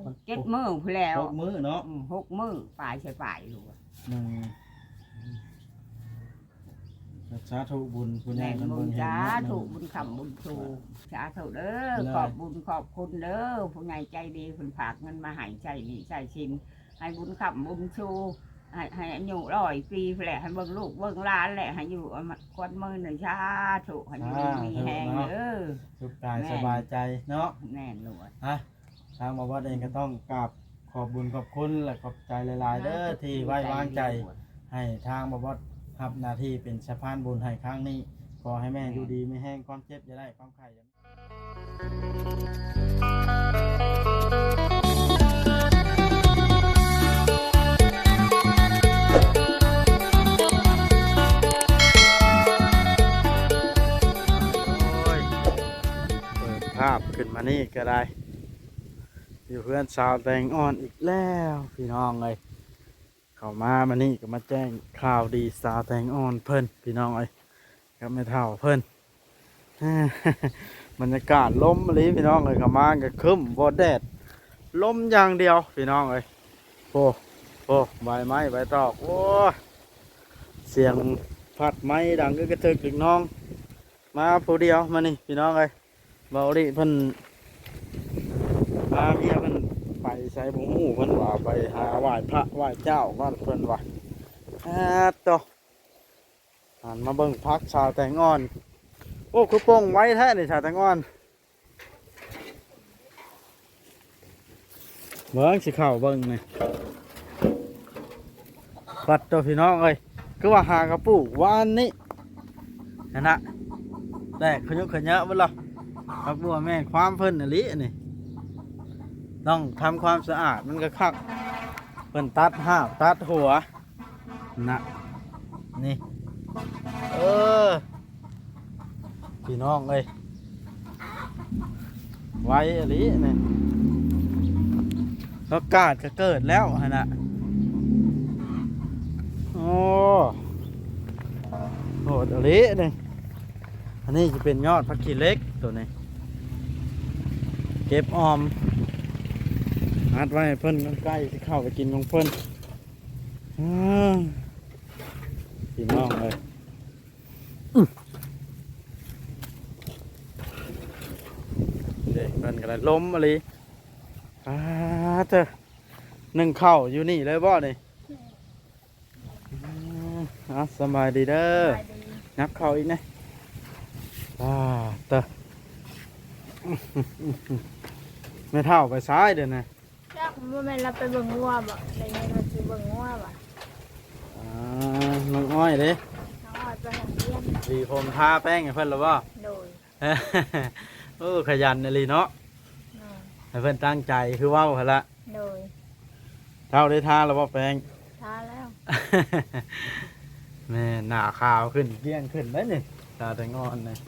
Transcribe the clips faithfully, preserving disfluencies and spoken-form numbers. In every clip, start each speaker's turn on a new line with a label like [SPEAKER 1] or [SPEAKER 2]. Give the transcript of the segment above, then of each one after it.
[SPEAKER 1] เจ็ดมื้อพอแล้ว
[SPEAKER 2] หกมื้อเนาะ
[SPEAKER 1] หกมื้อปลายใส่ปลายลูก
[SPEAKER 2] หนึ่งสาธุบุญผู้ใหญ่
[SPEAKER 1] แม่
[SPEAKER 2] เพิ่น
[SPEAKER 1] บุ
[SPEAKER 2] เบิ่
[SPEAKER 1] ญ
[SPEAKER 2] งเห็น
[SPEAKER 1] สา
[SPEAKER 2] เนาะ
[SPEAKER 1] ธุบุญคำบุญชูสาธุเด้อขอบบุญขอบคุณเด้อผู้ใหญ่ใจดีเพิ่นฝากเงินมาให้ใจดีใจชินให้บุญคำบุญชูให้ให้อายุร้อยปีแหละให้เบิ่งลูกเบิ่งหลานแหละให้อยู่กวนมือหนึ่งชาถูกให้อยู่มีแหงเด้อ
[SPEAKER 2] สุขกายสบายใจเนาะ
[SPEAKER 1] แน่นลวด
[SPEAKER 2] ฮะทางบ่วัดเองก็ต้องกราบขอบบุญขอบคุณและขอบใจหลายๆเด้อที่ไว้วางใจให้ทางบ่วัดรับหน้าที่เป็นสะพานบุญให้ครั้งนี้ขอให้แม่อยู่ดีไม่แห้งความเจ็บอย่าได้ความไข้อย่าภาพขึ้นมานี่ก็ได้อยู่เพื่อนสาวแตงอ่อนอีกแล้วพี่น้องเลยเข้ามามานี่ก็มาแจ้งข่าวดีสาวแตงอ่อนเพิ่นพี่น้องเลยก็ไม่เท่าเพิ่น บรรยากาศลมอะไรพี่น้องเลยเข้ามาก็คึ้มบดแดดลมอย่างเดียวพี่น้องเลยโอ้โอ้ใบไม้ใบตอกโอ้เสียงพัดไม้ดังก็กระเทึกถึงน้องมาผู้เดียวมานี่พี่น้องเลยเบาดิเพิ่นพาเมียเพิ่นไปใส่ผงหูเพิ่นว่าไปหาไหว้พระไหว้เจ้าก่อนเพิ่นว่าอ่าต่อหันมาเบิ่งพักชาวแตงอ่อนโอ้คือโป่งไว้แท้นี่ชาวแตงอ่อนเบิ่งสิเข้าเบิ่งนี่ปัดตัวพี่น้องเอ้ยคือว่าหากระปุกวานนี้นั่นน่ะแตกขยุกขยะเบิ่งล่ะครับบัวแม่ความเพิ่นอลินี่ต้องทำความสะอาดมันก็คักเพิ่นตัดห้าวตัดหัวนะนี่เออพี่น้องเอ้ยไว้อลินี่อากาศก็เกิดแล้วฮะนะโอ้โหดอลินี่อันนี้จะเป็นยอดผักขี้เหล็กตัวนี้เก็บออมนัดไว้ให้เพิ่นใกล้ที่เข้าไปกินของเพิ่นพี่น้องเลยเด็กเพิ่นก็เลยล้มอะไรอ่าเจ้านึ่งข้าวอยู่นี่เลยบ่นี่อ่าสบายดีเด้อนับข้าวอีกนะอ่าเต้อไม่เท่าไปซ้ายเดี๋ยวนะ
[SPEAKER 3] จักว่าแม่เราไปเบิ่งงัวบ่ได้เงินมาซื้อเบิ่งงัวบ่
[SPEAKER 2] อ่าน้องอ้อยเด้
[SPEAKER 3] น้องอ้อยไปโรงเรียน
[SPEAKER 2] ดีผมทาแป้งให้เพิ่นแล้วบ่
[SPEAKER 3] โดย
[SPEAKER 2] โอ้ขยันเลยเนาะ
[SPEAKER 3] แม่
[SPEAKER 2] ให้เพิ่นตั้งใจคือเว้าหั่นละ
[SPEAKER 3] โดย
[SPEAKER 2] เท่าได้ทาแล้วบ่แป้ง
[SPEAKER 3] ทาแล้ว
[SPEAKER 2] แม่หน้าขาวขึ้นเกลี้ยงขึ้นได้นี่ตาแต่งอนเลย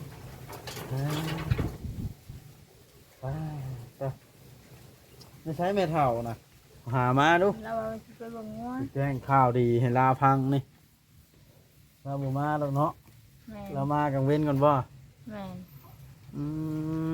[SPEAKER 2] ไปไปไม่ใช้เมทัลนะหามาดู
[SPEAKER 3] เราเอาไปเบิ่งงัว
[SPEAKER 2] แจ้งข่าวดีให้ลาพังนี่เราบ่มาแล้วเนาะ
[SPEAKER 3] แม่
[SPEAKER 2] เรามากังเว้นก่อนบ่
[SPEAKER 3] แม่
[SPEAKER 2] อืม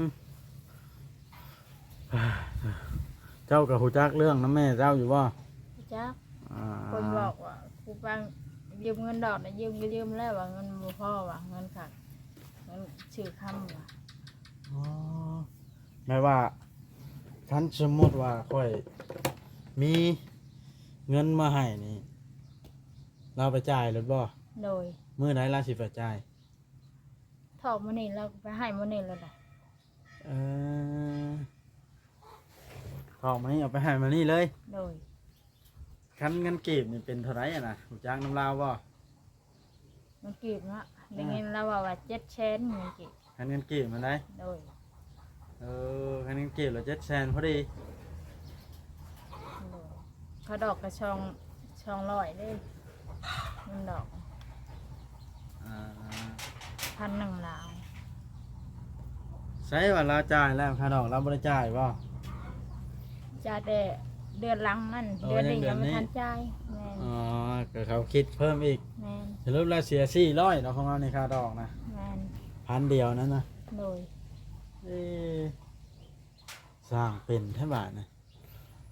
[SPEAKER 2] เจ้ากับหูจักเรื่องน้ำแม่เจ้าอยู่บ่
[SPEAKER 3] จัก
[SPEAKER 2] อ่า
[SPEAKER 3] คนบอกว่าครูฟังยืมเงินดอกน่ะยืมก็ยืมแล้วว่าเงินบ่พอว่าเงินขาดเงินชื่อคำว่า
[SPEAKER 2] อ๋อแม่ว่าคันสมมติว่าค่อยมีเงินมาให้นี่เราไปจ่ายหรือบ่
[SPEAKER 3] โดย
[SPEAKER 2] มื้อไหนเราสิไปจ่าย
[SPEAKER 3] ถอกมื้อนี้เราก็ไปให้มื้อนี้แล้วล่ะ
[SPEAKER 2] เออทองมานี่เอาไปให้มานี่เลย
[SPEAKER 3] โดย
[SPEAKER 2] คันเงินเก็บนี่เป็นเท่าไหร่อ่ะนะหูจักน้ำลาวบ่
[SPEAKER 3] มันเก็บเนาะได้เงินเราว่าว่าเจ็ดแสนเงินเก็บ
[SPEAKER 2] คันเงินเก็บมันได้
[SPEAKER 3] โดย
[SPEAKER 2] เออคันเงินเก็บเราเจ็ดแสนพอดี
[SPEAKER 3] โดยเขาดอกกระชองชองร้อยเด้เงินดอก
[SPEAKER 2] อ่า
[SPEAKER 3] พันหนึ่งลาว
[SPEAKER 2] ใช้ว่าเราจ่ายแล้วค่าดอกเราบ่ได้จ่ายบ่
[SPEAKER 3] จะได้เดือนหลังนั่น
[SPEAKER 2] โอ้
[SPEAKER 3] เดือนนี้
[SPEAKER 2] ยั
[SPEAKER 3] ยัง ง
[SPEAKER 2] เดือนนี้
[SPEAKER 3] ไม่ทันจ่ายแม่น
[SPEAKER 2] อ๋อก็เขาคิดเพิ่มอีก
[SPEAKER 3] แม่น
[SPEAKER 2] สรุปแล้วเสียสี่ร้อยเนาะของเราในค่าดอกนะ
[SPEAKER 3] แม่น
[SPEAKER 2] พันเดียวนั่นนะ
[SPEAKER 3] โดย
[SPEAKER 2] เอ๊ะสร้างเป็นแท่บาทนะ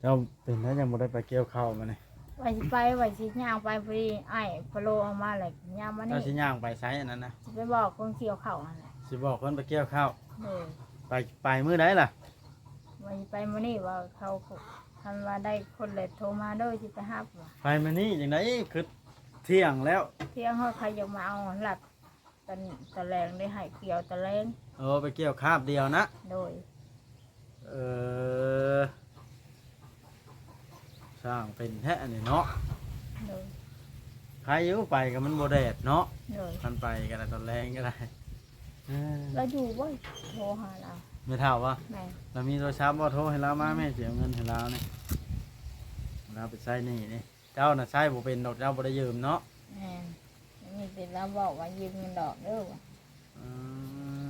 [SPEAKER 2] เจ้าเป็นแล้วยังบ่ได้ไปเกี่ยวข้าวมานี่
[SPEAKER 3] ว่าสิไปว่าสิย่างไปพอดีไอ้พะโลเอามาเลยย่างมา
[SPEAKER 2] เจ้า
[SPEAKER 3] นี่
[SPEAKER 2] สิย่างไปไสอันนั้นนะ
[SPEAKER 3] สิไปบอกคนเกี่ยวข้าวนั่นแหละ
[SPEAKER 2] สิบอกเพิ่นไปเกี่ยวข้าว
[SPEAKER 3] เลย
[SPEAKER 2] ไปไปมื้อใดล่ะ
[SPEAKER 3] ว่าสิไปมื้อนี้ว่าเขาทำว่าได้คนเลยโทรมาเด้อสิไปรับว่า
[SPEAKER 2] ไปมื้อนี้จังไดคือเที่ยงแล้ว
[SPEAKER 3] เที่ยงเฮาใครจะมาเอาหลับตะตะแรงได้ให้เกี่ยวตะแรง
[SPEAKER 2] เออไปเกี่ยวคาบเดียวนะ
[SPEAKER 3] โดย
[SPEAKER 2] เออสร้างเป็นแท้อันนี้เนาะ
[SPEAKER 3] โดย
[SPEAKER 2] ใครอยู่ไปก็มันบ่แดดเนาะ
[SPEAKER 3] โดย
[SPEAKER 2] มันไปก็ได้ตอนแรงก็ได้เออ
[SPEAKER 3] แล้วอยู่บ่โทรหาเรา
[SPEAKER 2] ไม่เท่าว่า
[SPEAKER 3] แม่
[SPEAKER 2] เรามีโทรศัพท์บ่โทรให้เรามาแม่เสียเงินให้เรานี่เราไปใช้หนี่นี่เจ้าน่ะใช้บ่เป็นดอกเจ้าบ่ได้ยืมเนาะ
[SPEAKER 3] แม่มีแต่เราบอกว่ายืมเงินดอกเด้อว่ะ
[SPEAKER 2] อืม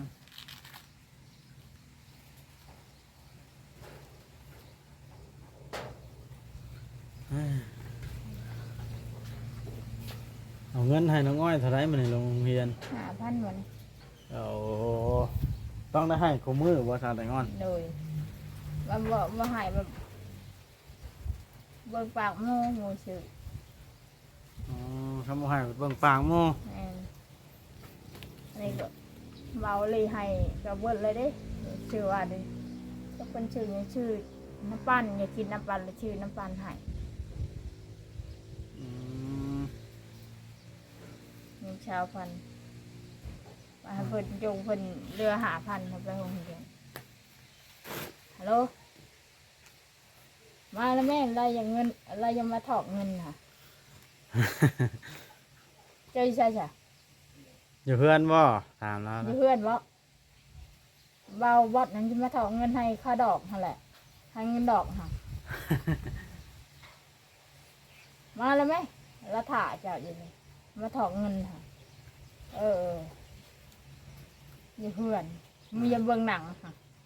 [SPEAKER 2] เอ้ยเอาเงินให้น้องอ้อยเท่าไรมันในโรงเรียน
[SPEAKER 3] หาพันวัน
[SPEAKER 2] เอาต้องได้ให้คู่มือบ่ชาแต่งอน
[SPEAKER 3] โดยว่าบอกว่าให้แบบเบิ่งปากโม่โม่ชื่อ
[SPEAKER 2] อ๋อคำว่าให้เบิ่งปากหมู่
[SPEAKER 3] แม่นอันนี้ก็เบาเลยให้กับเบิดเลยเด้ชื่อว่าเด้ก็เป็นชื่ออย่างชื่อน้ำปั้นอย่ากินน้ำปั้นเลยชื่อน้ำปั้นให้
[SPEAKER 2] อืม
[SPEAKER 3] เงินชาวพันมาให้เพิ่นจงเพิ่นเรือหาพันเขาไปโรงเรียนฮัลโหลมาแล้วแม่อะไรอย่างเงินอะไรยังมาถอกเงินค่ะเจ้าใช่ใช่
[SPEAKER 2] อยู่เพื่อนบ่ถามแล้ว
[SPEAKER 3] มี
[SPEAKER 2] นะ
[SPEAKER 3] เพื่อนบ่เบาบอดนั้นจะมาถอกเงินให้ค่าดอกนั่นแหละให้เงินดอกค่ะ มาแล้วไหมแล้วถ่าเจ้าอยู่นี่มาถอกเงินค่ะ เอออย่าเพื่อนมีอย่าเบิ่งหนังค่ะ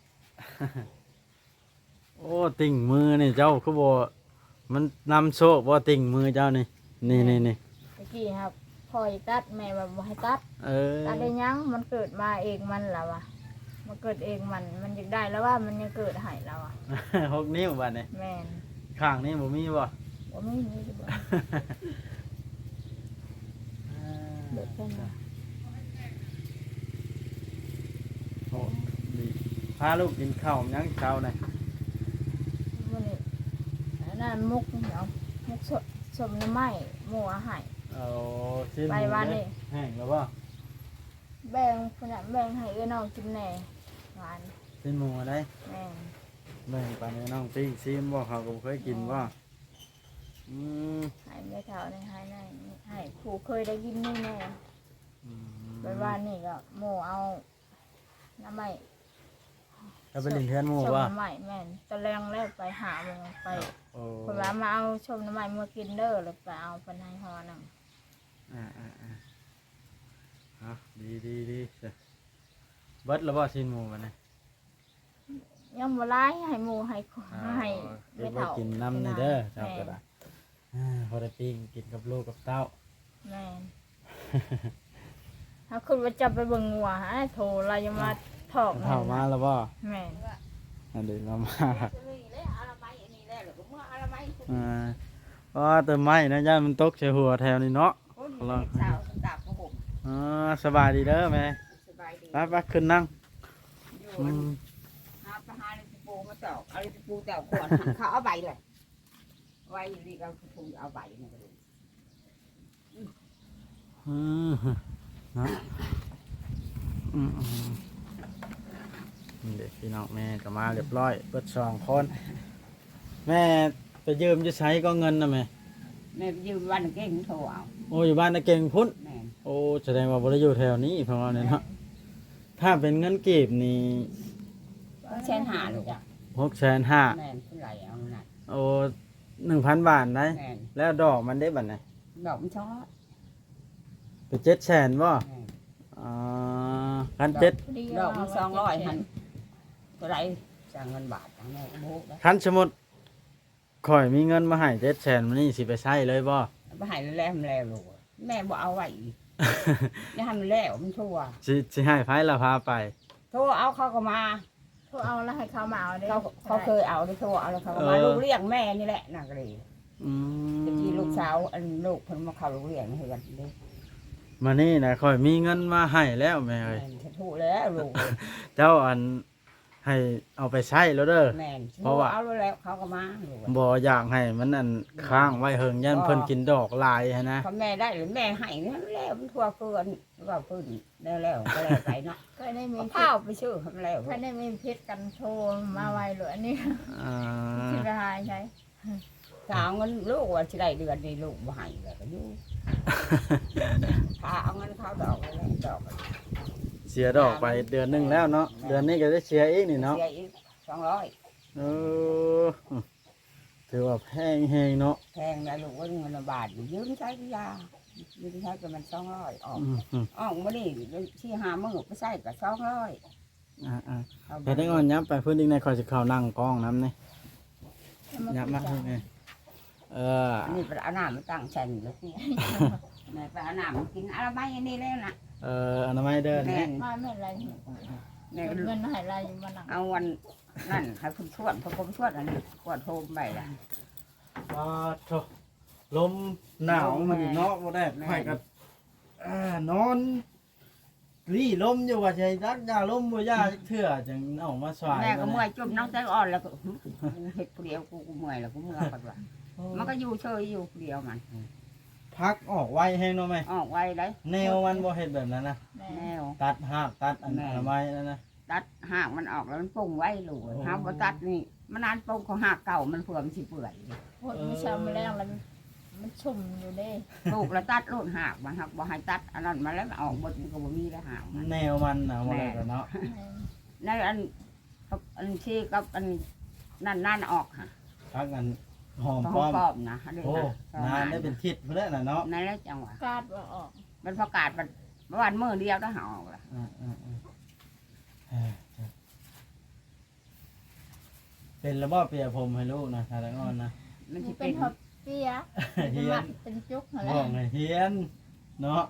[SPEAKER 2] โอ้ติ่งมือนี่เจ้าคือบ่มันนำโชคบ่ติ่งมือเจ้านี่นี่นี่นี่
[SPEAKER 3] ตะกี้ครับพ่อยตัดแม่แบบบ่ให้ตัด
[SPEAKER 2] เออ
[SPEAKER 3] ตัดได้ยังมันเกิดมาเองมันแล้ววะมันเกิดเองมันมันอยากได้แล้วว่ามันยังเกิดให้แล้วอ่ะ
[SPEAKER 2] หกนิ้วบัดนี้
[SPEAKER 3] แม่น
[SPEAKER 2] ข้างนี้บ่มีบ่
[SPEAKER 3] ว่าไม่มีจะบอกเด็กกันนะ
[SPEAKER 2] โอ้ดีพาลูกกินข้าวยังเช้านี่
[SPEAKER 3] วันนี้อันนั่นมุกเนาะมุกสดสมน้ำไม้หมูอาหาร
[SPEAKER 2] เอาชิ้น
[SPEAKER 3] ไปวันนี้
[SPEAKER 2] แห้งแล้วบ่
[SPEAKER 3] แบ่งคนละแบ่งให้เอื้อน้องกินแหน่หวาน
[SPEAKER 2] ชิ้นหมูอะไร
[SPEAKER 3] แม่น
[SPEAKER 2] แบ่งปันให้น้องปิ้งซิมบ่เขาก็บ่เคยกินบ่อืม
[SPEAKER 3] ให้ไม่เท่าในให้ในให้ผู้เคยได้กินนี่แน่
[SPEAKER 2] อืม
[SPEAKER 3] ไปวันนี้ก็หมูเอาน้ำไม้
[SPEAKER 2] จะไปเลินเทือนหมู่
[SPEAKER 3] ชม
[SPEAKER 2] บ่
[SPEAKER 3] น้ำไม้แม่นตะแรงแล้วไปหาโมงไป
[SPEAKER 2] โอ้
[SPEAKER 3] คนว่ามาเอาชมน้ำไม้มากินเด้อเลยไปเอาเป็นให้ฮอหนัง
[SPEAKER 2] อ่าอ่าอ่าเอาดีดีดีเสียเบิดแล้วบ่ชิ้นหมูมันนี่
[SPEAKER 3] ยังบ่ร้ายให้หมูให้ข
[SPEAKER 2] อ่า
[SPEAKER 3] ให้
[SPEAKER 2] เดี๋ยวไป
[SPEAKER 3] เท่า
[SPEAKER 2] กินน้ำนี่เด้อ
[SPEAKER 3] แม่
[SPEAKER 2] เจ้าก็ได้อ่าพอได้ปิ้งกินกับลูกกับเต้า
[SPEAKER 3] แม่นถ้าคุณว่าจะไปเบิ่งงัวฮะโทรเรายังมาถอก
[SPEAKER 2] เข้ามาแล้วบ่
[SPEAKER 3] แม่น
[SPEAKER 2] อันเดี๋ยวเรามา
[SPEAKER 1] เอาละไม้อันนี้แหละหรือเมื่อเอาละไม้
[SPEAKER 2] อ่าเพราะว่าต้นไม้นะย่านมันตกใส่หัวแถวนี้เนาะ
[SPEAKER 1] คนเด็กสาวดาบของผม
[SPEAKER 2] อ่าสบายดีเด้อแม่
[SPEAKER 1] สบายดี
[SPEAKER 2] ไปไปขึ้นนั่ง
[SPEAKER 1] อยู่
[SPEAKER 2] อืม
[SPEAKER 1] หาไปหาเลยปูมาตอกเอาเลยปูตอกขวดเขาเอาใบเลยไว้ดีก็ปูเอาใบนี่ก็เลย
[SPEAKER 2] อืมเนาะอืมอืมนี่เด็กพี่น้องแม่ก็มาเรียบร้อยเปิดสองคน แม่ไปยืมจะใช้ก็เงินนะแม่
[SPEAKER 1] แม่ยืมวันเก่งโทรเอา
[SPEAKER 2] โอ้อยู่บ้านนะเก่งพุ่น
[SPEAKER 1] แม่
[SPEAKER 2] โอ้แสดงว่าบริอยู่แถวนี้เพราะว่าเนี่ยเนาะถ้าเป็นเงินกีบนี่
[SPEAKER 1] เชนหาลูกอ่ะ
[SPEAKER 2] หกแสนห้า
[SPEAKER 1] แม่เท่าไหร่เอาหนัก
[SPEAKER 2] โอ้หนึ่งพันบาทได้
[SPEAKER 1] แม่
[SPEAKER 2] แล้วดอกมันได้บัตรไหน
[SPEAKER 1] ดอกมันชอบ
[SPEAKER 2] เป็นเจ็ดแสนบ่
[SPEAKER 1] แม่
[SPEAKER 2] อ่าคันเจ็ด
[SPEAKER 1] ดอกมันสองร้อยหันเท่าไหร่จ่ายเงินบาทแม่ก็โบกได้
[SPEAKER 2] คันสมมุดข่อยมีเงินมาให้เจ็ดแสนมันนี่สิไปใช้เลยบ่
[SPEAKER 1] ไปหายแล้วมันแล้วลูกแม่บอกเอาไว้นี่ให้มันแล้วมันชั่ว
[SPEAKER 2] สิสิให้ไผละพาไป
[SPEAKER 1] โทรเอาเขาก็มา โทร
[SPEAKER 3] เขาเอาแล้วให้เขามาเอาได้
[SPEAKER 1] เขาเขาเคยเอาได้เขาเอาแล้วเขาก็มาลูกเลี้ยงแม่นี่แหละน่ะก็เลย
[SPEAKER 2] อืม
[SPEAKER 1] ตะกี้ลูกสาวอันลูกเพิ่นมาเข้าโรงเรียนให้กันเด้
[SPEAKER 2] มานี่นะค่อยมีเงินมาให้แล้วแม่เอ้ย
[SPEAKER 1] แม่นจะถูกแล้วลูก
[SPEAKER 2] เจ้าอันให้เอาไปใช้แล้วเด้อ
[SPEAKER 1] แม่น
[SPEAKER 2] เพราะว่า
[SPEAKER 1] เอาแล้วเขาก็มาลูก
[SPEAKER 2] บ่อยากให้มันอันค้างไว้เฮิงยันเพิ่นกินดอกลายหันนะ
[SPEAKER 1] เขาแม่ได้หรือแม่ให้นั่นแล้วมันทั่วเกินว่าเพิ่นแล้วแล้วก็แล้วไปเนาะ
[SPEAKER 3] ก็ได้มี
[SPEAKER 1] เอาข้าวไปชื่อทำแล้ว
[SPEAKER 3] ถ้าได้มีเพชรกันโชว์มาไวเลยอันนี้
[SPEAKER 2] อ่า
[SPEAKER 3] สิละหายใช่
[SPEAKER 1] ถ้าเอาเงินลูกว่าสิได้เดือนนี้ลูกบ่ให้แล้วก็อยู่ถ้าเอาเงินเขาดอกแล้วดอก
[SPEAKER 2] เสียดอกไปเดือนหนึงแล้วเนาะเดือนนี้ก็ได้เสียอีกนี่เนาะ
[SPEAKER 1] เสียอีกสองร้อย
[SPEAKER 2] เออถือว่าแพงแฮงเนาะ
[SPEAKER 1] แพงนะลูกว่าเงินละบาทยืมใช้ก็ยายืมใช้ก็มันสองร้อยออก
[SPEAKER 2] อืมอืม
[SPEAKER 1] ออกมานี่ที่หามื้อไปใช้ก็สองร้อย
[SPEAKER 2] อ่าอ่าแต่ได้งอนยับไปเพิ่นอีกในคอยสิเข้านั่งกล้องน้ำนี่ยับมาเพิ่นไงเออ
[SPEAKER 1] อันนี้ไปเอาน้ำมาตั้งฉันแล้วสิแม่ไปเอาน้ำมากินอะไรไม่อันนี้แล้วนะ
[SPEAKER 2] เอออนามัยเดิน
[SPEAKER 1] แม่
[SPEAKER 2] นะ
[SPEAKER 3] มาไม่อะไร
[SPEAKER 1] แม่
[SPEAKER 3] เงินให้อะไรอยู่มาหนัง
[SPEAKER 1] เอาวันนั่นให้คุณชวดพอผมชวดอันนี้กวดโทมไปละ
[SPEAKER 2] ว้าโถลมหนาวมันเนาะบ่ได้ไผก็อ่านอนรีลมอยู่ว่าใช่รักยาลมบ่ยาจักเทื่อจังเอามาสวาย
[SPEAKER 1] แม่ก็เมื่อยจุ่มน้องใจอ่อนแล้วก็เห็ดเดียวกูกูเมื่อยแล้วกูเมื่อยก่อนว่ามันก็อยู่เฉยอยู่เดียวมัน
[SPEAKER 2] พักออกไวแฮงเนาะแม่
[SPEAKER 1] ออกไว้เลย
[SPEAKER 2] แนวมันบ่เฮ็ดแบบนั้นนะ
[SPEAKER 3] แม่
[SPEAKER 1] แนว
[SPEAKER 2] ตัดหากตัดอัน
[SPEAKER 1] แม่
[SPEAKER 2] อนามัยนั่นนะ
[SPEAKER 1] ตัดหากมันออกแล้วมันปุ่งไว้ลูกห้ามบ่ตัดนี่มันนานปุ่งของหากเก่ามันเผื่อมันสิเปื่อย
[SPEAKER 3] โหดไม่ช้ำแรงแล้วมันชุ่มอยู่เด้
[SPEAKER 1] ลูกแล้วตัดโลดหากมันหักบ่ให้ตัดอันนั้นมาแล้วมันออกบดมันก็บ่มีแล้วหากมัน
[SPEAKER 2] แนวมันน่ะบ่ได้กันเนาะ
[SPEAKER 1] ในอันกับอันที่กับอันนั่นนั่นออกฮะ
[SPEAKER 2] พักอันหอม
[SPEAKER 1] ของ
[SPEAKER 2] ป้อม
[SPEAKER 1] ปอบนะเด้
[SPEAKER 2] โอ้
[SPEAKER 1] นะ
[SPEAKER 2] นานได้เป็นทิศพุ่นแล้วน่ะเนาะ
[SPEAKER 1] นั่นแหละจังหวะ
[SPEAKER 3] กาดว่าออก
[SPEAKER 1] มันประกาศมันเมื่อวันมื้อเดียวแล้วหาออกละ
[SPEAKER 2] อ่าอ่าอ่าเอ้ยเป็นระบอบเปียผมให้ลูกนะทารางอนนะ
[SPEAKER 1] มันสิ
[SPEAKER 3] เป็
[SPEAKER 1] เป็น น
[SPEAKER 3] หอบเปีย
[SPEAKER 2] เฮียน
[SPEAKER 3] เป็นจุกอะไร
[SPEAKER 2] บอกให้เฮียนเนาะ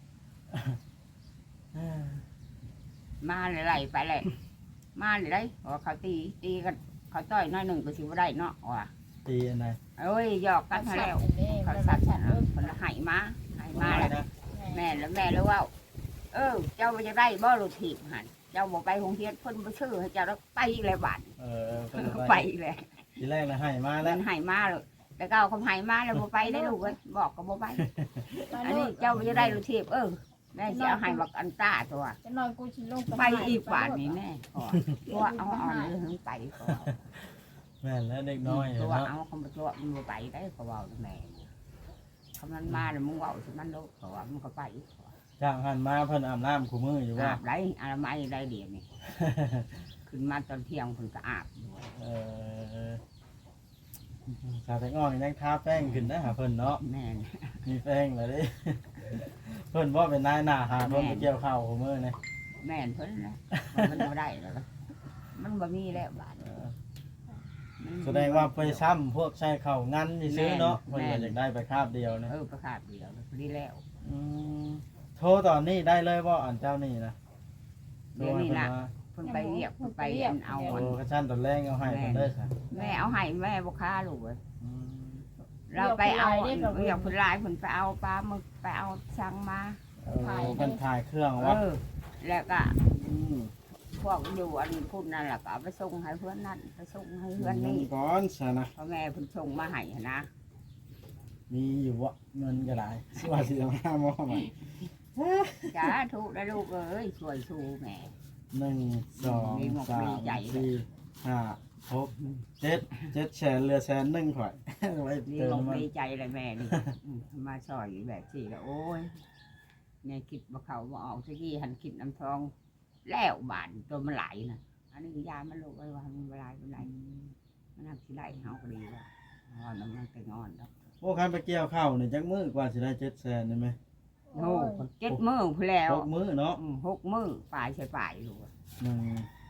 [SPEAKER 1] มาไหลๆไปเลยมาไหลๆเพราะว่าเขาตีตีกันเขาต่อยน้อยหนึ่งก็สิบ่ได้เนาะว่ะ
[SPEAKER 2] ตีอันไหน
[SPEAKER 1] เอ้ยหยอกกันมาแล้ว เขา
[SPEAKER 3] เขา
[SPEAKER 1] สั
[SPEAKER 3] สั
[SPEAKER 1] ต
[SPEAKER 3] ต
[SPEAKER 1] ว์
[SPEAKER 3] ว์
[SPEAKER 1] ฉั
[SPEAKER 3] ฉั
[SPEAKER 1] น
[SPEAKER 3] น
[SPEAKER 1] เอาคนละให้มาให้มาแล้ว
[SPEAKER 2] นะ
[SPEAKER 1] แม่แล้วแม่แล้วว่า เออ เจ้าจะได้บ่รถถีบหันเจ้าบอกไปโรงเรียนเพิ่นบ่ชื่อให้เจ้าแล้วไปอีกเลยบาด
[SPEAKER 2] เออเพิ่น
[SPEAKER 1] ไป
[SPEAKER 2] ไป
[SPEAKER 1] อีกเลย
[SPEAKER 2] ทีแรกนะให้มา
[SPEAKER 1] มั
[SPEAKER 2] แล้ว
[SPEAKER 1] นให้มาเลยแต่ก็เอาคำให้มาแล้วบ่ไปได้ลูกเอ้ยบอกก็บ่ไป อันนี้เจ้าจะได้รถถีบเออแม่สิเอาให้บักอันต้าตัว
[SPEAKER 3] จะนอนกูชิลง
[SPEAKER 1] ไปอีกบาดนี้แม่ขอตัวเอาอ่อนเลยถึงไปขอ
[SPEAKER 2] แม่นแล้วเด็กน้อย
[SPEAKER 1] ตัว
[SPEAKER 2] เนาะ
[SPEAKER 1] เอาคำว่าตัวมันบ่ไปได้เขาเว้าแม่คำนั้นมาแล้วมึงเว้าสิมันโลกเขาว่ามันก็ไปขอ
[SPEAKER 2] จ้างหันมาเพิ่นอาบน้ำคู่มืออยู่ว่า
[SPEAKER 1] อาบได้อาบไม่ได้เดียวนี่ ขึ้นมาตอนเที่ยงคนก็อาบด้วย
[SPEAKER 2] เออสาวแตงอ่อนยังทาแป้งขึ้นได้หาเพิ่นเนาะ
[SPEAKER 1] แม่น
[SPEAKER 2] มีแป้งเลยดิ เพิ่นว่าเป็นนายหน้าหาเพิ่นไปเกี่ยวข้าวคู่มือนี่
[SPEAKER 1] แม่นเพิ่นนะมันบ่ได้แล้วล่ะมันบ่มีแล้วบาด
[SPEAKER 2] เออ
[SPEAKER 1] มัน
[SPEAKER 2] แสดงว่าไปซ้ำพวกใช้ข้าวงันซื้อๆเนาะ
[SPEAKER 1] แม่
[SPEAKER 2] เพิ่น
[SPEAKER 1] น
[SPEAKER 2] ก็อยากได้ไปคาบเดียวนะ
[SPEAKER 1] เออประกาศเดียวพอดีแล้ว
[SPEAKER 2] อืมโทรตอนนี้ได้เลยบ่อันเจ้านี่นะ
[SPEAKER 1] เดี๋ยวนี้นะเพิ่นไปเรียกเพิ่นไปอันเอา
[SPEAKER 2] โอ้
[SPEAKER 1] อัน
[SPEAKER 2] กระชั้นตอนแรกเอาให้เพิ่นได้ค่ะ
[SPEAKER 1] แม่เอาให้แม่บ่ค้าลูกเอ้ย
[SPEAKER 2] อืม
[SPEAKER 1] เราไปเอาอันเรียกเพิ่นหลายเพิ่นไปเอาปลาหมึกไปเอาช่างมา
[SPEAKER 2] เออเพิ่นถ่ายเครื่อง
[SPEAKER 1] เอ
[SPEAKER 2] ว่า
[SPEAKER 1] อแล้วก็
[SPEAKER 2] ม
[SPEAKER 1] พวกอยู่อันพุ่นนั่นแหละก็เอาไปส่งให้เพื่อนนั่นไปส่งให้เพื่อนนี่
[SPEAKER 2] ก่อนซะนะ
[SPEAKER 1] พ่อแม่เพิ่นส่งมาให้หั้นนะ
[SPEAKER 2] มีอยู่วะเงินก็ได้สิว่าสิเอาห้าหม้อมา
[SPEAKER 1] จ้าถูกแล้วลูกเอ้ยช่วยชูแม่
[SPEAKER 2] หนึ่งสองสามสี่ห้าหกเจ็ดเจ็ดแสนเหลือแสนหนึ่งข่อย ไว้
[SPEAKER 1] นี่
[SPEAKER 2] เติม
[SPEAKER 1] ลง
[SPEAKER 2] มัน
[SPEAKER 1] ดีใจเลยแม่นี่อืมมาช่วยแบบที่แล้วโอ้ยแม่คิดว่าเขาบ่ออกสักทีหันคิดน้ำทอง แล้วบาทตัวมันไหลน่ะอันนี้ยามันลูกไว้ว่ามันไหลมันไหลมันหักสิไหลเฮาก็ดีว่างอนมันก็งอนดอก
[SPEAKER 2] โอ้คันไปเกี่ยวข้าวนี่จักมื้อกว่าสิได้เจ็ดแสนได้ไหม
[SPEAKER 1] โอ้เจ็ดมื้อพู้นแล้ว
[SPEAKER 2] หกมื้อเนาะ
[SPEAKER 1] อืมหกมื้อปลายใช่ปลายลูก
[SPEAKER 2] หนึ่ง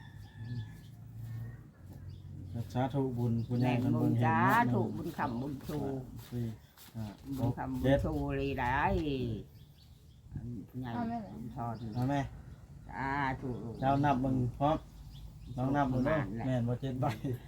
[SPEAKER 2] สาธุบุญคุณ
[SPEAKER 1] แม่
[SPEAKER 2] ยาย
[SPEAKER 1] น
[SPEAKER 2] กัน
[SPEAKER 1] บุ
[SPEAKER 2] บุ
[SPEAKER 1] ญ
[SPEAKER 2] ญเห็น
[SPEAKER 1] จ้า
[SPEAKER 2] เนาะ
[SPEAKER 1] ถูกบุญคำบุญชู
[SPEAKER 2] หนึ่งสองสี่ห้าห
[SPEAKER 1] บุญ
[SPEAKER 2] ก
[SPEAKER 1] คำบุญ
[SPEAKER 2] เจ็ด
[SPEAKER 1] ชูเลยได้อันผู้ใหญ่ทอด
[SPEAKER 2] เอาไหม
[SPEAKER 1] จ้าถูก
[SPEAKER 2] เจ้านับมึงพร้อมน้องนับดูเด้อแม่นบ่เจ็ดใบ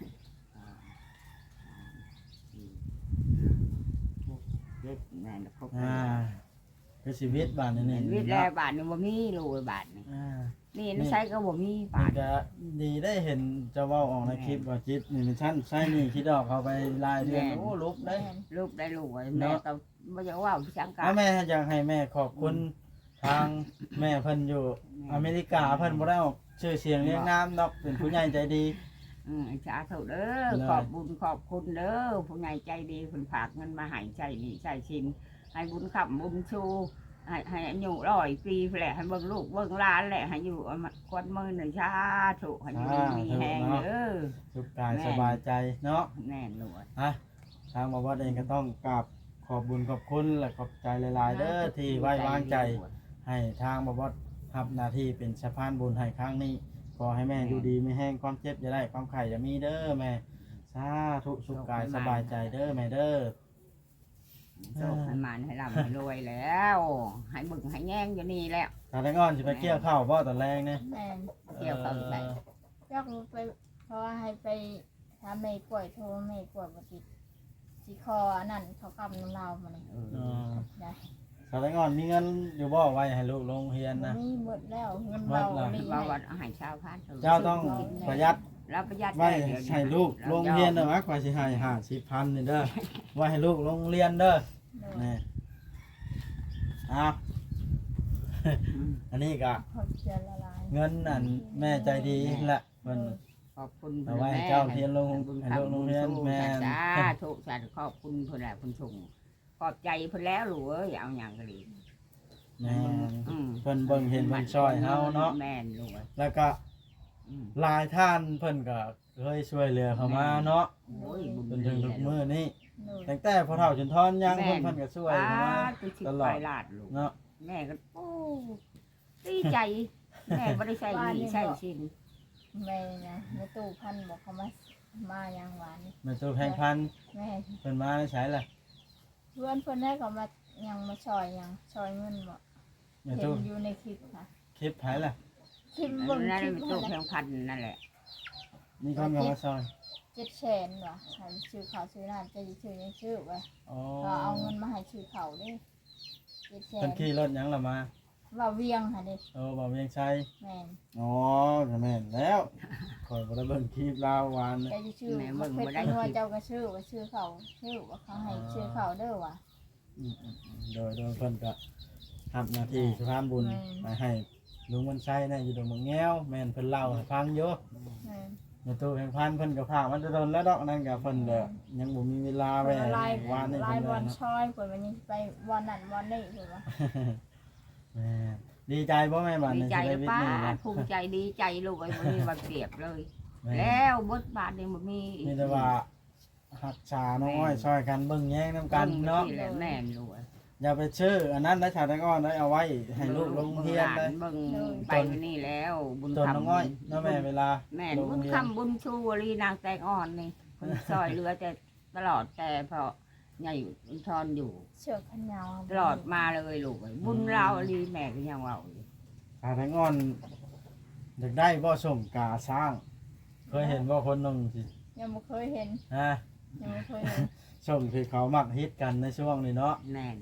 [SPEAKER 1] เล็กแม่นครบ
[SPEAKER 2] อ่าคือชีวิตบ้านนี่
[SPEAKER 1] เห็
[SPEAKER 2] นี่
[SPEAKER 1] นวิทย์แล้วบาทนี่บ่มีลูกบาทนี่
[SPEAKER 2] อ่า
[SPEAKER 1] นี่นี่ใช้ก็บ่มี
[SPEAKER 2] มั
[SPEAKER 1] บาน ท
[SPEAKER 2] ก็ดีได้เห็นเจะเว้าออกในคลิปว่าจิตนี่มันชั้นใช่นี่คิดออกเขาไปรายเดือนโอ้ลุกได้
[SPEAKER 3] แม่น
[SPEAKER 1] ลูกได้ลูกไว้แม่ก็บ่อยากว่าพี่ชังกา
[SPEAKER 2] ถ้าแม่อยากให้แม่ขอบคุณทางแม่เพิ่นอยู่อเมริกาเพิ่นบ่ได้ออกชื่อเสียงเรียงนามดอกเป็นผู้ใหญ่ใจดี
[SPEAKER 1] อืมสาธุเด้อ
[SPEAKER 2] เลย
[SPEAKER 1] ขอบบุญขอบคุณเด้อผู้ใหญ่ใจดีเพิ่นฝากเงินมาให้ใจนี่ใจชินให้บุญขับบุญชูให้ให้อายุร้อยปีแหละให้เบิ่งลูกเบิ่งหลานแหละให้อยู่เอามาควันมือหนึ่งชาถูกให้อยู่ดีมีแหงเด้อ
[SPEAKER 2] สุขกายสบายใจเนาะ
[SPEAKER 1] แน่นลูก
[SPEAKER 2] ฮะทางบวชเองก็ต้องกราบขอบบุญขอบคุณและขอบใจหลายๆเด้อที่ไว้วางใจ ให้ทางบวชรับหน้าที่เป็นสะพานบุญให้ครั้งนี้ขอให้แม่อยู่ดีไม่แห้งความเจ็บอย่าได้ความไข่อย่ามีเด้อแม่สาธุสุขกายสบายใจเด้อแม่เด้อ
[SPEAKER 1] โชคให้มันให้ร่ำให้รวยแล้ว ให้บึงให้แง่งอยู่นี่แล้ว
[SPEAKER 2] ถ้าได้งอนสิไปเกี่ยวข้าวบ่ตอนแรกเนี่ย
[SPEAKER 3] แม่น
[SPEAKER 1] เกี่ยวข้าวอยู่ไหน
[SPEAKER 3] อยากรู้ไปเพราะว่าให้ไปถ้าไม่กล้วยโทรไม่กล้วยบ่ติดสิคออันนั้นเขากำน้ำลาวมานี่
[SPEAKER 1] เอ
[SPEAKER 2] เอ
[SPEAKER 1] อ
[SPEAKER 2] อ
[SPEAKER 3] ได้
[SPEAKER 2] ถ้าได้งอนมีเงินอยู่บ่ไว้ให้ลูกลงเรียน
[SPEAKER 3] บ่
[SPEAKER 2] นะ
[SPEAKER 3] มีหมดแล้วเงิน
[SPEAKER 2] หม
[SPEAKER 3] เรา
[SPEAKER 2] ดแล้ว
[SPEAKER 3] ลี
[SPEAKER 1] ว่า
[SPEAKER 3] ให้
[SPEAKER 1] วันอาหารเช้าพาน
[SPEAKER 2] เจ้าต้องประหยัด
[SPEAKER 1] แล้วประหยัด
[SPEAKER 2] ไว้ให้ลูกลงเรียนเด้อวะกว่าสิให้ห้าสิบพันนี่เด้อไว้ให้ลูกลงเรียนเด้อ
[SPEAKER 3] โดย
[SPEAKER 2] นี่อ้าวอันนี้ก็
[SPEAKER 3] ขอบใจละลาย
[SPEAKER 2] เงินนั่นแม่ใจดีแหละเพิ่น
[SPEAKER 1] ขอบคุณ
[SPEAKER 2] เอาไว้ให้เจ้าเรียนลง
[SPEAKER 1] บุญ
[SPEAKER 2] ให้
[SPEAKER 1] คำ
[SPEAKER 2] ลูกลงเรียน
[SPEAKER 1] บุญ
[SPEAKER 2] แม่
[SPEAKER 1] ชูสาธุสาธุขอบคุณเพิ่นแหละเพิ่นส่งขอบใจเพิ่นแล้วลูกเอ้ยเอาหยังก็ดี
[SPEAKER 2] แม่น
[SPEAKER 1] อืม
[SPEAKER 2] เพิ่นเบิ่งเห็นเพิ่นช่วยเฮาเนาะ
[SPEAKER 1] แม่นลูกเอ้ย
[SPEAKER 2] แล้วก็
[SPEAKER 1] อืม
[SPEAKER 2] หลายท่านเพิ่นก็เคยช่วยเหลือเขามาเนาะ
[SPEAKER 1] โอ้ยบุญ
[SPEAKER 2] จนถึงทุกมื้อนี้
[SPEAKER 3] โดย
[SPEAKER 2] ตั้งแต่พ่อเฒ่าจนทอนยังเพิ่นเพิ่นก็ช่วยเขามา
[SPEAKER 1] ต
[SPEAKER 2] ต
[SPEAKER 1] ล
[SPEAKER 2] ล
[SPEAKER 1] อ
[SPEAKER 2] อ
[SPEAKER 1] ด
[SPEAKER 2] ด
[SPEAKER 1] ลาดลูก
[SPEAKER 2] เนาะ
[SPEAKER 1] แม่ก็โอ้ดีใจ แม่ไม่ได้ใส่หนีใส่ชิน
[SPEAKER 3] แม่นะในตู้พันบอกเขามามาอย่างหวาน
[SPEAKER 2] แม่ตู้แพงพัน
[SPEAKER 3] แม่
[SPEAKER 2] เพิ่นมาได้ใช้ล่ะ
[SPEAKER 3] เพื่อนเพื่อนได้เขามายังมาชอยยังชอยเงินบอก
[SPEAKER 2] แม่
[SPEAKER 3] เห็
[SPEAKER 2] ตู้
[SPEAKER 3] นอยู่ในคลิปค่ะ
[SPEAKER 2] คลิปไผล่ะ
[SPEAKER 3] คลิปบน
[SPEAKER 1] นั่น
[SPEAKER 3] คลิป
[SPEAKER 1] เป็น
[SPEAKER 3] นั่
[SPEAKER 1] ตู้
[SPEAKER 3] นแห
[SPEAKER 1] เพี
[SPEAKER 3] ละ
[SPEAKER 1] ยงพันนั่นแหละ
[SPEAKER 2] มีคนก็มาซอย
[SPEAKER 3] เจ็ดแสนว่ะให้ชื่อเขาชื่อนั่นจะชื่อยังชื่อว่ะ
[SPEAKER 2] อ๋อ
[SPEAKER 3] ก็เอาเงินมาให้ชื่อเขาเด้เจ็ดแส
[SPEAKER 2] เพิ่
[SPEAKER 3] น
[SPEAKER 2] นขี่รถหยังล่ะมา
[SPEAKER 3] ว่าเวียงค่ะเด้
[SPEAKER 2] เออบ่เวียงชัย
[SPEAKER 3] แม่น
[SPEAKER 2] อ๋อก็แม่นแล้วคอยบ่ได้เบิ่งคลิปลาววาน
[SPEAKER 3] แกจะชื่อว่าเพชรนัวเจ้าก็ชื่อว่าชื่อเขาชื่อว่าเขาให้ชื่อเขาเด้อว่ะ
[SPEAKER 2] อืมๆๆโดยโดยเพิ่นก็ทำหน้าที่สะพานบุญ
[SPEAKER 3] แม่น
[SPEAKER 2] ไปให้ลุงมันชัยนะอยู่ตรงเมืองแง้วแม่นเพิ่นเล่าให้ฟังอยู่
[SPEAKER 3] แม่น
[SPEAKER 2] ในตู้แห่งพันเพิ่นก็พามันจะโดนแล้วดอกนั่นก็เพิ่นเด้อยังบ่มีเวลาไว้
[SPEAKER 3] ลาย
[SPEAKER 2] วานนี่
[SPEAKER 3] ลาย
[SPEAKER 2] เพิ่น
[SPEAKER 3] บ
[SPEAKER 2] เล
[SPEAKER 3] อย ล
[SPEAKER 2] เนาะ
[SPEAKER 3] ชอยเปิดวันนี้ไปวันนั้นวันนี้เปิดว่า
[SPEAKER 2] แม่ดีใจบ่แม่บ้าน
[SPEAKER 1] ดี
[SPEAKER 2] ใน
[SPEAKER 1] ใจ
[SPEAKER 2] ชีวิต
[SPEAKER 1] ป้า
[SPEAKER 2] นี่นะ
[SPEAKER 1] ภูมิใจดีใจลูกไอ้บ่มีวันเปรียบเลย
[SPEAKER 2] แม่
[SPEAKER 1] แล้วบทบาทนี่บ่มี
[SPEAKER 2] มีแต่ว่าหักษาน้องอ้อยช่วยกันเบิ่งแย่งนํกันเนาะ
[SPEAKER 1] แหละแม่นลูก
[SPEAKER 2] อย่าไปชื่ออันนั้นได้ชาวตะก้อนได้เอาไว้ให้ลูกลงเรียนได้
[SPEAKER 1] เบิ่งไปนี่แล้วบุญ
[SPEAKER 2] จน
[SPEAKER 1] คำ
[SPEAKER 2] น้องอ้อยเนาะแม่เวลา
[SPEAKER 1] แม่
[SPEAKER 2] ลง
[SPEAKER 1] บุญ
[SPEAKER 2] เรียน
[SPEAKER 1] คำบุญชูวลีนางแตงอ่อนนี่คนซอยเรือแต่ตลอดแต่พอใหญ่ทอนอยู่
[SPEAKER 3] เชือกขนาว
[SPEAKER 1] ตลอดมาเลยลูกเอ้ยบุญเราลีแม่ก็ยังเว่าอยู่
[SPEAKER 2] ชาวตะก้อนอยากได้บ่ส่งกาสร้าง เคยเห็นบ่คนหนึงสิ
[SPEAKER 3] ยังไม่เคยเห็น
[SPEAKER 2] ฮะ
[SPEAKER 3] ยังไม่เคยเห็น
[SPEAKER 2] ส่งที่เขามักฮิตกันในช่วงนี้เนาะ
[SPEAKER 1] แม่น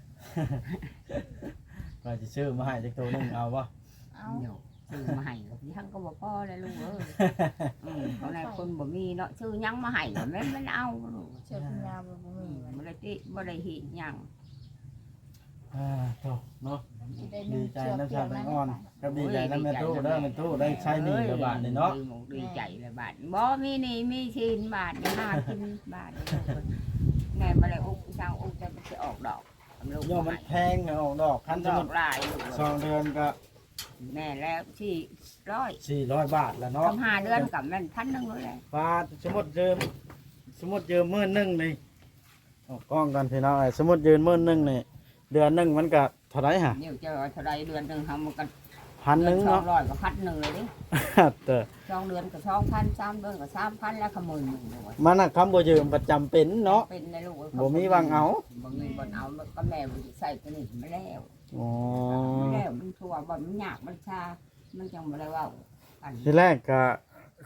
[SPEAKER 2] ก็จะชื่อมาให้จักตัวหนึงเอาบ่
[SPEAKER 3] เอา
[SPEAKER 1] เดี๋ยวซื้อมาให้ยังก็บ่พอเลยลูกเอ้ยอืมเขาในคนบ่มีเนาะซื้อยังมาให้แม่นมันเอาลูก
[SPEAKER 3] เชือกขนาวบ่มีมัน
[SPEAKER 1] บ่ได้ติบ่ได้หิยัง
[SPEAKER 2] อ่าโตเนาะ
[SPEAKER 3] สิได้
[SPEAKER 2] ดี
[SPEAKER 3] นึ่ง
[SPEAKER 2] ใจ
[SPEAKER 3] เชือก
[SPEAKER 2] น้ำ
[SPEAKER 3] เปี
[SPEAKER 2] ชาย
[SPEAKER 3] ก
[SPEAKER 2] ตะ
[SPEAKER 3] นั้น
[SPEAKER 2] ก้อนกับดีใจน้ำแม่ตู้เด้อแม่ตู้ได้ใช้หนี่กับบาทนี่เนาะ
[SPEAKER 1] ดีหมกดีใจเลยบาทบ่มีหนี่มีชินบาทนี่หากินบาทนี่แม่บ่ได้อุกช่างอุกแต่มันสิออกดอกลูก
[SPEAKER 2] โยมมันแพงออกดอกคัน
[SPEAKER 1] ด
[SPEAKER 2] ส
[SPEAKER 1] อ
[SPEAKER 2] มุ
[SPEAKER 1] ก
[SPEAKER 2] ด
[SPEAKER 1] หลายลูก
[SPEAKER 2] สองเดือนก็
[SPEAKER 1] แม่แล้วที่ร้อย
[SPEAKER 2] สี่ร้อยบาทแล้วเนาะ
[SPEAKER 1] ทำห้าเดือนกับแม่นพันหนึงเลยแหละ
[SPEAKER 2] ปลาสมุดเยิมสมุดเยิมมื่นหนึงนี่ออกกล้องกันพี่น้องไอ้สมุดยืนมื่นหนึงนี่เดือนหนึงมันก็เท่าไหร่ฮะ
[SPEAKER 1] เดี๋ยวจะเอาเท่าไรเดือนหนึงเฮามันก็
[SPEAKER 2] พันหนึง
[SPEAKER 1] สอง
[SPEAKER 2] เนาะ
[SPEAKER 1] ร้อยก็พันหนึงเลยดิ
[SPEAKER 2] แต่
[SPEAKER 1] สองเดือนก็สองพันสามเดือนก็สามพันแล้วก็หมื่นหนึงเลย
[SPEAKER 2] มันน่ะคำบ่ยืมประจำเป็นเนาะ
[SPEAKER 1] เป็นในลูกอ้ย
[SPEAKER 2] บ่มีวางเอา
[SPEAKER 1] บ่มีวางเอาก็แม่บ่สิใส่ตัวนี้มาแล้ว
[SPEAKER 2] อ๋อ
[SPEAKER 1] แล้วมันทั่วบ่มันยากมันชา มันจังบ่ได้เว้ากัน
[SPEAKER 2] ทีแรกก็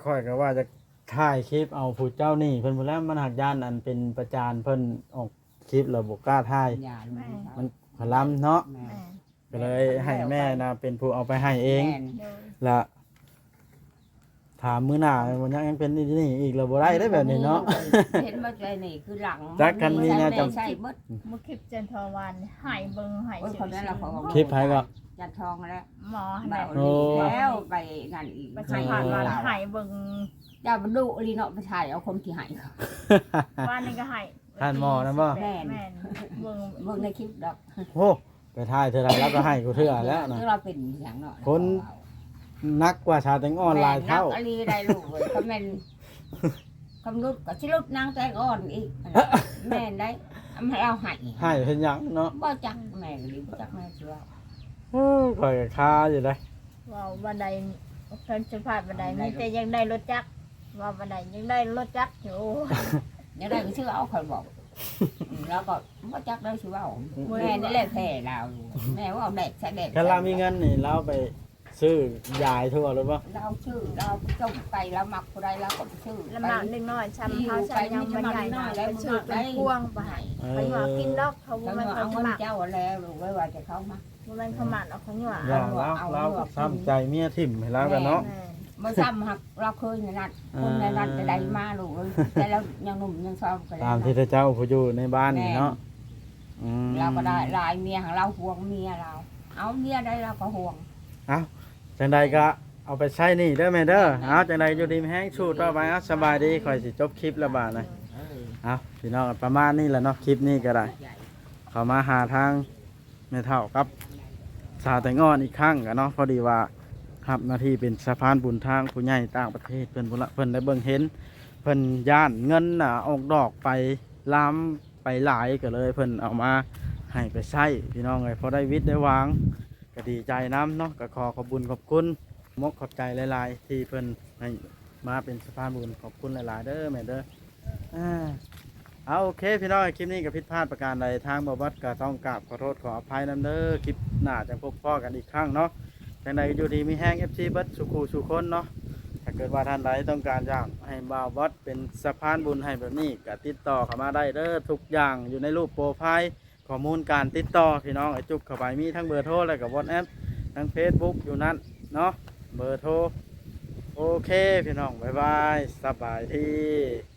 [SPEAKER 2] ค่อยก็ว่าจะถ่ายคลิปเอาผู้เจ้านี่เพิ่นบ่แล้วมันหักย่านอันเป็นประจานเพิ่นออกคลิปแล้วบ่กล้าถ่าย
[SPEAKER 1] อย่าลูก
[SPEAKER 2] มันขลำเนาะ
[SPEAKER 1] แม่
[SPEAKER 3] แม่
[SPEAKER 2] ก็เลยให้แม่นะเป็นผู้เอาไปให้เอง
[SPEAKER 1] แม่น
[SPEAKER 3] โดย
[SPEAKER 2] ละถามมื้อหน้ามันยังเป็นนี่นี่อีกแล้วบ่ได้ได้แบบนี้เนาะ
[SPEAKER 1] เห็นว่าใจนี่คือหลัง
[SPEAKER 2] จักกันมีแนวจำ
[SPEAKER 1] ใช่เบิด
[SPEAKER 3] เมื่อคลิปจันทร์วันหายเบิ่งหาย
[SPEAKER 1] โอ้ย
[SPEAKER 3] ชื่
[SPEAKER 1] คนนั้นเราขอ
[SPEAKER 2] คลิปไผก็
[SPEAKER 1] จัดทองแล้ว
[SPEAKER 3] หมอ
[SPEAKER 1] แบ
[SPEAKER 3] แม่
[SPEAKER 1] บนี้แล้วไปนั่นอีก
[SPEAKER 3] ประชาผ่านวันหายเบิ่ง
[SPEAKER 1] อย่าบรรลุลีเนาะไปถ่ายเอาคนที่หายเขา
[SPEAKER 3] วันนึงก็หาย
[SPEAKER 2] ท่านหมอนะบ่
[SPEAKER 3] แม่นแม่นเบิ่ง
[SPEAKER 1] เบิ่งในคลิปดอก
[SPEAKER 2] โอ้ไปถ่ายเท่าไรแล้วก็ให้กูเทื่อแล้วนะ
[SPEAKER 1] คือเราเป็นอย่างเนาะ
[SPEAKER 2] คน นักกว่าชาวแตงอ่อนหลายเท่า
[SPEAKER 1] แม่นักอลีได้ลูกเว้ยคอมเมนคำรุดก็ชิลุดนางแตงอ่อนอีกแม่นได้ทำให้เราหาย
[SPEAKER 2] ให้เพิ่นหยังเนาะ
[SPEAKER 1] บ่จักแม่ก็ดีบ่จักแม่เชื่อ
[SPEAKER 2] เอ้อข่อยก็คาอยู่ได้
[SPEAKER 3] ว่าบันไดเพิ่นจะผ่านบันไดมีแต่ยังได้รถจักรว่าบันไดยังได้รถจักรอยู่
[SPEAKER 1] ยังได้ก็ชื่อเอาคอยบอกแล้วก็บ่จักได้ชื่อเอาแม่นี่แหละแพ้เราแม่ว่าเอาเด็กใส่เด็ก
[SPEAKER 2] คันเรามีเงินนี่เราไปซื้อยายทั่วหรือบ่
[SPEAKER 1] เราชื่อเราจงไปแล้วมักผู้ใดเราก็ชื่อ
[SPEAKER 3] ลำบากนิดหน่อยช้ำเท้าช้ำยังมันใหญ่หน่อยแล้วชื่อเป็นพวงไปไปหัวกินดอกเขา
[SPEAKER 1] เขา
[SPEAKER 3] มัน
[SPEAKER 1] เอา
[SPEAKER 3] เขา
[SPEAKER 1] เงิน
[SPEAKER 3] หมัก
[SPEAKER 1] เจ้าแล้วหรือว่าจะเข้ามา
[SPEAKER 3] มันเขาหมักเอาเขาหยว
[SPEAKER 2] อย่าเราเราก็ซ้ำใจเมียทิ่มให้เรากันเนาะ
[SPEAKER 1] เมื่อซ้ำหักเราเคยในนั้นคนในนั้นจะได้มาลูกแต่เรายังหนุ่มยังซ้อมกัน
[SPEAKER 2] ตามที่เจ้าผู้อยู่ในบ้านนี่เนาะอืม
[SPEAKER 1] เราก็ได้ลายเมียของเราห่วงเมียเรา เอาเมียได้เราก็ห่วง
[SPEAKER 2] จังใดก็เอาไปใช้นี่เด้อแม่เด้อเอาจังใดอยู่ดีมีแห้งชูต่อไปเอาสบายดีข่อยสิจบคลิปแล้วบาดนะเอาพี่น้องประมาณนี้แหละเนาะคลิปนี้ก็ได้ เขามาหาทางแม่เฒ่ากับสาวแต่งอนอีกครั้งกันเนาะพอดีว่ารับหน้าที่เป็นสะพานบุญทางผู้ใหญ่ต่างประเทศเพิ่นพุ่นละเพิ่นได้เบิ่งเห็นเพิ่นย่านเงินน่ะออกดอกไปล้ำไปหลายก็เลยเพิ่นเอามาให้ไปใช้พี่น้องเลยพอได้วิทย์ได้วางก็ดีใจน้ำเนาะก็ขอขอบคุญขอบคุณมกขอบใจหลายๆที่เพิ่นให้มาเป็นสะพานบุญขอบคุณหลายๆเด้อแม่เด้ออ่า เอาโอเคพี่น้องคลิปนี้กับผิดพลาดประการใดทางบวัดก็ต้องกราบขอโทษขออภัยนำเด้อคลิปหน้าจะพบพ่อกันอีกครั้งเนาะจังใดอยู่ดีมีแห้ง เอฟ ซี เบิดสุขูสุคนเนาะถ้าเกิดว่าท่านใดต้องการอยากให้บ่าววัดเป็นสะพานบุญให้แบบนี้ก็ติดต่อเข้ามาได้เด้อทุกอย่างอยู่ในรูปโปรไฟล์ข้อมูลการติดต่อพี่น้องไอ้จุกเข้าไปมีทั้งเบอร์โทรและกับวอทแอปทั้ง Facebook อยู่นั่นเนาะเบอร์โทรโอเคพี่น้องบ๊ายบายสบายดี